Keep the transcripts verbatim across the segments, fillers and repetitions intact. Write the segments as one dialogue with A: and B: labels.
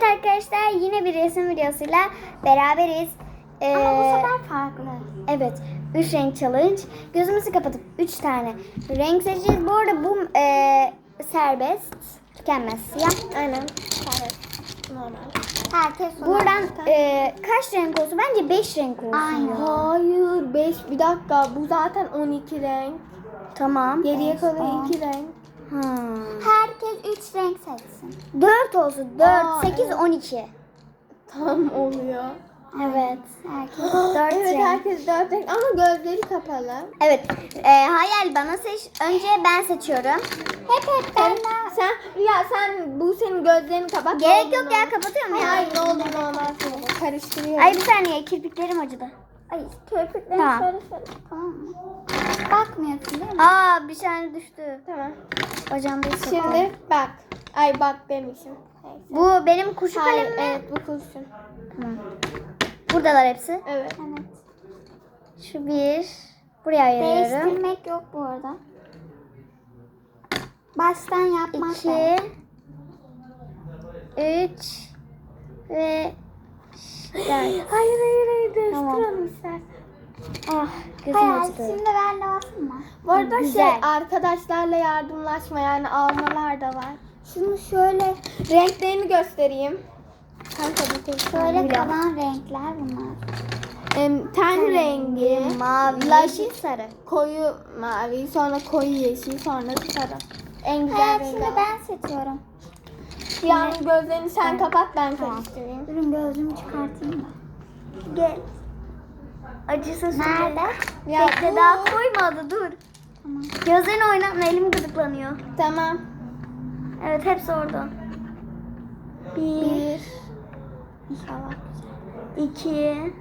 A: Evet arkadaşlar, yine bir resim videosuyla beraberiz. Ee,
B: Ama bu sefer farklı.
A: Evet, üç renk challenge. Gözümüzü kapatıp üç tane renk seçeceğiz. Bu arada bu e, serbest, tükenmez siyah.
B: Aynen. Evet. Normal.
A: Herkes buradan e, kaç renk olsun? Bence beş renk olsun.
B: Aynen.
A: ya.
B: Hayır. beş. Bir dakika. Bu zaten on iki renk.
A: Tamam.
B: Geriye
A: beş,
B: kalıyor
A: on.
B: iki renk.
A: Hmm.
B: Herkes üç renk seçsin.
A: dört olsun. dört,
B: Aa,
A: sekiz,
B: evet.
A: on iki.
B: Tam oluyor.
A: Evet. Herkes dört
B: Evet,
A: renk.
B: herkes dört renk ama gözleri kapalı.
A: Evet. E, hayal bana seç. Önce ben seçiyorum.
B: Hep hep ben Sen Rüya sen bu senin gözlerini kapat.
A: Gerek
B: Ne
A: yok
B: olur
A: ya,
B: ne olur.
A: kapatıyorum ya.
B: Hayır, ne olur ne olmaz. Karıştırıyorum.
A: Ay bir saniye, kirpiklerim acıdı.
B: Ay kirpiklerini
A: Tamam.
B: şöyle şöyle. Tamam mı? Bakmıyorsun değil mi?
A: Aa, bir tane düştü.
B: Tamam.
A: Bacağımda hissettim.
B: Şimdi bak. Ay bak demişim. Neyse.
A: Bu benim kuşu
B: Hayır,
A: kalem mi?
B: evet bu kurşun.
A: Tamam. Buradalar hepsi.
B: Evet.
A: Evet. Şu bir. Buraya ayırıyorum.
B: Değiştirmek yok bu arada. Baştan yapmak
A: İki.
B: lazım.
A: Üç. Ve dört.
B: Hayır hayır hayır
A: Tamam.
B: değiştirelim istersen.
A: Ah, gözüm
B: Hayır
A: acıdı.
B: şimdi ben de basayım mı? Bu arada
A: Güzel.
B: şey arkadaşlarla yardımlaşma yani almalar da var. Şunu şöyle renklerini göstereyim. Kanka bir tek
A: Şöyle
B: şöyle
A: kalan
B: renkler bunlar. Em, ten rengi,
A: mavi,
B: laş-
A: yeşil, sarı.
B: koyu mavi, sonra koyu yeşil, sonra sarı. En güzel rengi.
A: şimdi ben seçiyorum.
B: Yani gözlerini sen kapat ben
A: Tamam.
B: karıştırayım.
A: Durun, gözümü çıkartayım da. Gel. Acısız.
B: Nerede?
A: Ya
B: Ya
A: Bekle,
B: bu-
A: daha koymadı, dur.
B: Tamam.
A: Gözlerini oynatma, elim gıdıklanıyor.
B: Tamam.
A: Evet, hepsi orada. Bir,
B: Bir. İnşallah.
A: iki,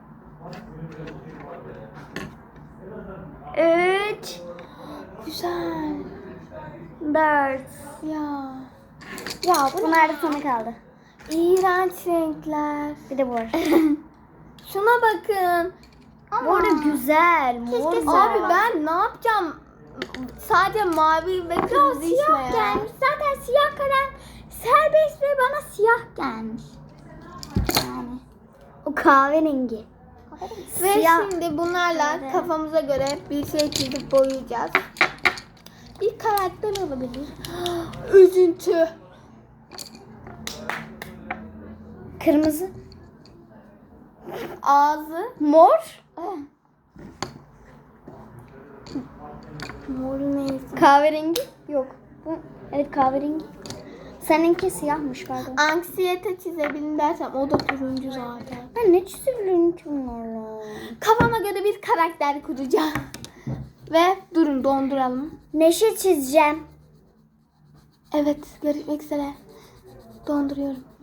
A: üç,
B: Güzel.
A: dört.
B: Ya. Ya bu
A: Bunlar da sana kaldı.
B: İğrenç renkler.
A: Bir de bu var.
B: Şuna bakın.
A: Bu arada güzel. Mor
B: Keşke
A: güzel.
B: abi ben ne yapacağım? Sadece mavi ve kırmızı içme ya.
A: gelmiş. Zaten siyah kalem serbest ve bana siyah gelmiş. Yani. O kahverengi.
B: Ve
A: Siyah.
B: şimdi bunlarla
A: Evet.
B: kafamıza göre bir şey çizip boyayacağız. Bir karakter olabilir. Üzüntü.
A: Kırmızı.
B: Ağzı.
A: Mor.
B: Mor neyse.
A: Kahverengi. Yok. Bu, evet, kahverengi. Seninki siyahmış, pardon.
B: Anksiyete çizebilirim dersem o da turuncu zaten.
A: Ben ne çizebilirim ki bunlarla?
B: Kafama göre bir karakter kuracağım. Ve durun donduralım.
A: Neşe çizeceğim.
B: Evet görüşmek üzere. Donduruyorum.